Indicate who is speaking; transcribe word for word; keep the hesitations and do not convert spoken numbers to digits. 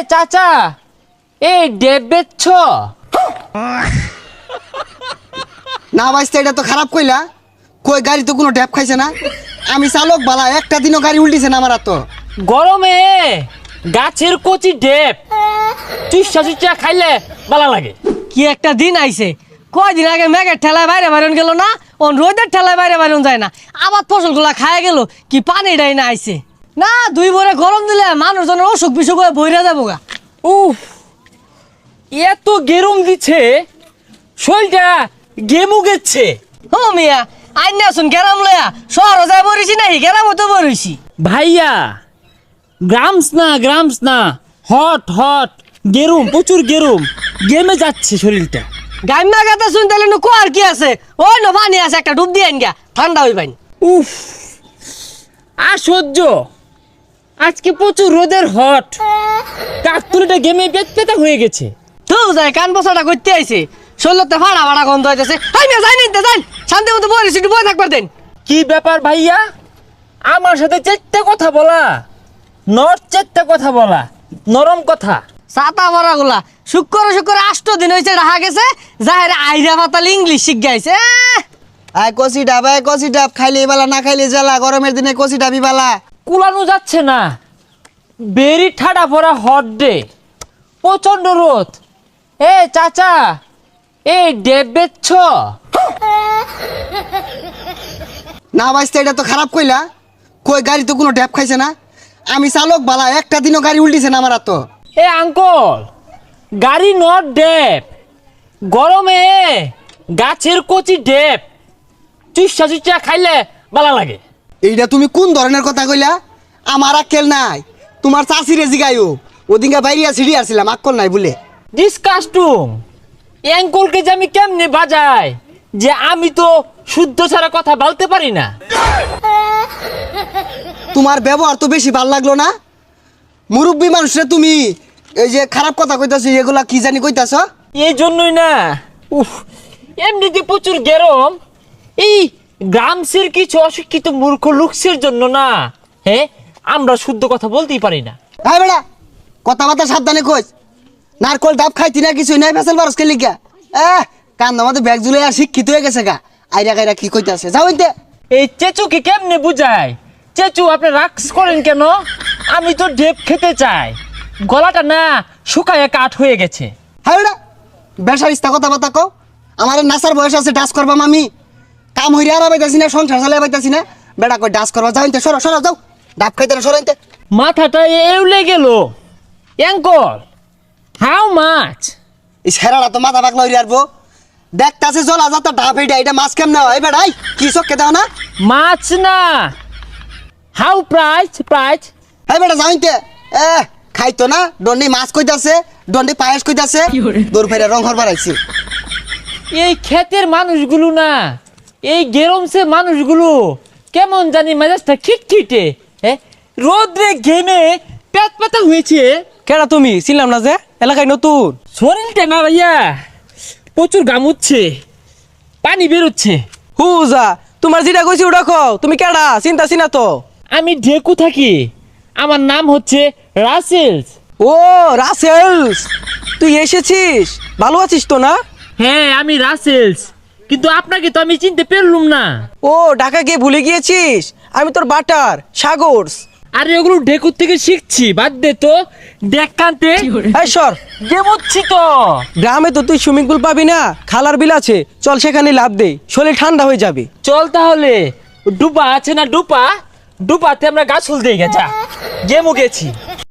Speaker 1: চাচা এই ডেব বেচছ?
Speaker 2: না বাইস্তা, এটা তো খারাপ কইলা। কই গাড়ি তো কোনো ড্যাপ খাইছে না। আমি চালক বালা, একটা দিনও গাড়ি উল্টিছে না আমার। তো
Speaker 1: গরমে গাছের কচি ডেব চুষা চুষা খাইলে ভালো লাগে।
Speaker 3: কি একটা দিন আইছে, কয়দিন আগে মেঘের ঠেলায় বাইরে বাইরন গেল না, ওন রোদের ঠেলায় বাইরে বাইরন যায় না, আবার ফসলগুলা খায় গেল। কি পানি ডাই না আইছে না, দুই ভরে গরম দিলে মানুষজনের অসুখ বিসুখ হয়ে বইরা যাবো গা।
Speaker 1: উফ, এত গেরম দিচ্ছে, শরীরটা গেমু গেছে।
Speaker 3: ও মিয়া, আইন আসুন গেরাম লয়া শহর যায় বরিছি নাহি, গেরাম তো বরিছি।
Speaker 1: ভাইয়া গ্রামস না গ্রামস না, হট হট গেরুম, প্রচুর গেরুম, গেমে যাচ্ছে শরীরটা।
Speaker 3: গাইমা গাতা শুন তাহলে নু কোয়ার কি আছে, ওই ন পানি আছে, একটা ডুব দিয়ে আইন গা, ঠান্ডা হই পাইন।
Speaker 1: উফ, আর সহ্য, আজকে প্রচুর রোদের হট, কাকতুলিটা গেমে পেট পেতা হয়ে গেছে।
Speaker 3: তো যায় কান বসাটা করতে আইছে, শরীরতে ফাড়া ফাড়া গন্ধ হইতেছে। হাই মিয়া যাই নিতে যাই, শান্তি মতো বরিছি, একটু বই থাকবার দেন।
Speaker 1: কি ব্যাপার ভাইয়া, আমার সাথে চেট্টা কথা বলা, নর্থ চেট্টা কথা বলা, নরম কথা।
Speaker 3: ছাতা ভরা গুলা শুক্র শুক্র আষ্ট দিন হয়েছে রাহা গেছে, যাহের আইরা পাতাল ইংলিশ শিখ গাইছে।
Speaker 2: আয় কষি ডাব, আয় কষি ডাব, খাইলে বালা না খাইলে জ্বালা। গরমের দিনে কষি ডাবি বালা।
Speaker 1: কুলানো যাচ্ছে না, বেরি ঠাডা ভরা হট ডে, প্রচন্ড রোদ। এ চাচা এই ডেব বেচছ?
Speaker 2: না বাইস্তা, এটা তো খারাপ কইলা। কই গাড়ি তো কোনো ড্যাপ খাইছে না। আমি চালক বালা, একটা দিনও গাড়ি উল্টিছে না আমার। তো
Speaker 1: এ আঙ্কল, গাড়ি নট ডেব, গরমে গাছের কচি ডেব চুষা চুষা খাইলে ভালো লাগে।
Speaker 2: এইটা তুমি কোন ধরনের কথা কইলা? আমার আক্কেল নাই, তোমার চাষিরে জিগাইও। ওদিনকে বাইরিয়া ছিড়ি আসছিলাম, আক্কল নাই বলে।
Speaker 1: ডিসকাস্টুম, অ্যাঙ্কলকে যে আমি কেমনে বাজাই, যে আমি তো শুদ্ধ ছাড়া কথা বলতে পারি না।
Speaker 2: তোমার ব্যবহার তো বেশি ভাল লাগলো না। মুরব্বী মানুষরে তুমি এই যে খারাপ কথা কইতাছ, এগুলা কি জানি কইতাছ।
Speaker 1: এই জন্যই না, উফ, এমনিতে প্রচুর গরম, এই গ্রামসের কিছু অশিক্ষিত মূর্খ লুকসের জন্য না, হ্যাঁ আমরা শুদ্ধ কথা বলতেই পারি না।
Speaker 2: হ্যাঁ বেড়া, কথাবার্তা সাবধানে কইস। নারকল ডাব খাইতি না, কিছুই নাই, ফেসাল বারস খেলি গা। এহ, কান আমাদের ব্যাগ জুলে আর শিক্ষিত হয়ে গেছে গা। আইরা গাইরা কি কইতাছে, যাও ইনতে।
Speaker 1: এই চেচুকে কেমনে বুঝায়? চেচু আপনি রাক্স করেন কেন? আমি তো ডেপ খেতে চাই, গলাটা না শুকায় কাঠ হয়ে গেছে।
Speaker 2: হ্যাঁ বেড়া, বেসার ইস্তা কথাবার্তা কও। আমার নাসার বয়স আছে, ডাস করবাম আমি। কাম হইরে আর পাইতাছি না, সংসার চালাই পাইতাছি না। বেড়া কই ডাস করবা, যাও ইনতে, সরো সরো যাও। ডাব খাইতে না, সরো ইনতে।
Speaker 1: মাথাটা এউলে গেল। Uncle, how much?
Speaker 2: এই সেরাটা তো মাথা পাকলা হইরে আরবো। দেখতাছে জলা যাতা ডাব, এইটা এটা মাছ কেমনে হয় বেড়াই? কি চক্কে দাও না?
Speaker 1: মাছ না, হাউ প্রাইস প্রাইস?
Speaker 2: হ্যাঁ বেটা, যাও ইনতে। এ খাইতো না, দন্ডি মাছ কইতাছে, দন্ডি পায়েস কইতাছে, দূর ফেরে রং হর বাড়াইছি।
Speaker 1: এই ক্ষেতের মানুষগুলো না, এই গেরমসে মানুষগুলো কেমন জানি মেজাজটা খিটখিটে, হ্যাঁ রোদ্রে ঘেমে পেট পাতা হয়েছে।
Speaker 3: কেডা তুমি? ছিলাম না যে এলাকায় নতুন।
Speaker 1: শরীরটা না ভাইয়া প্রচুর গামুচ্ছে, পানি বেরোচ্ছে।
Speaker 3: হুজা, তোমার যেটা কইছি ওটা কও। তুমি কেডা? চিন্তা চিনা তো।
Speaker 1: আমি ঢেকু থাকি, আমার নাম হচ্ছে রাসেলস।
Speaker 3: ও রাসেলস, তুই এসেছিস? ভালো আছিস তো না?
Speaker 1: হ্যাঁ আমি রাসেলস, কিন্তু আপনাকে তো আমি চিনতে পারলুম না।
Speaker 3: ও ঢাকা গিয়ে ভুলে গিয়েছিস? আমি তোর বাটার সাগরস।
Speaker 1: আরে ওগুলো ঢেকুর থেকে শিখছি, বাদ দে তো। দেখ কান্তে
Speaker 3: এই সর,
Speaker 1: গেমুচ্ছি তো।
Speaker 3: গ্রামে তো তুই সুইমিং পুল পাবি না, খালার বিল আছে, চল সেখানে লাভ দে, শরীর ঠান্ডা হয়ে যাবে।
Speaker 1: চল তাহলে, ডুবা আছে না ডুপা, ডুপাতে আমরা গাছ ফুল দিয়ে গেছা গেমু গেছি।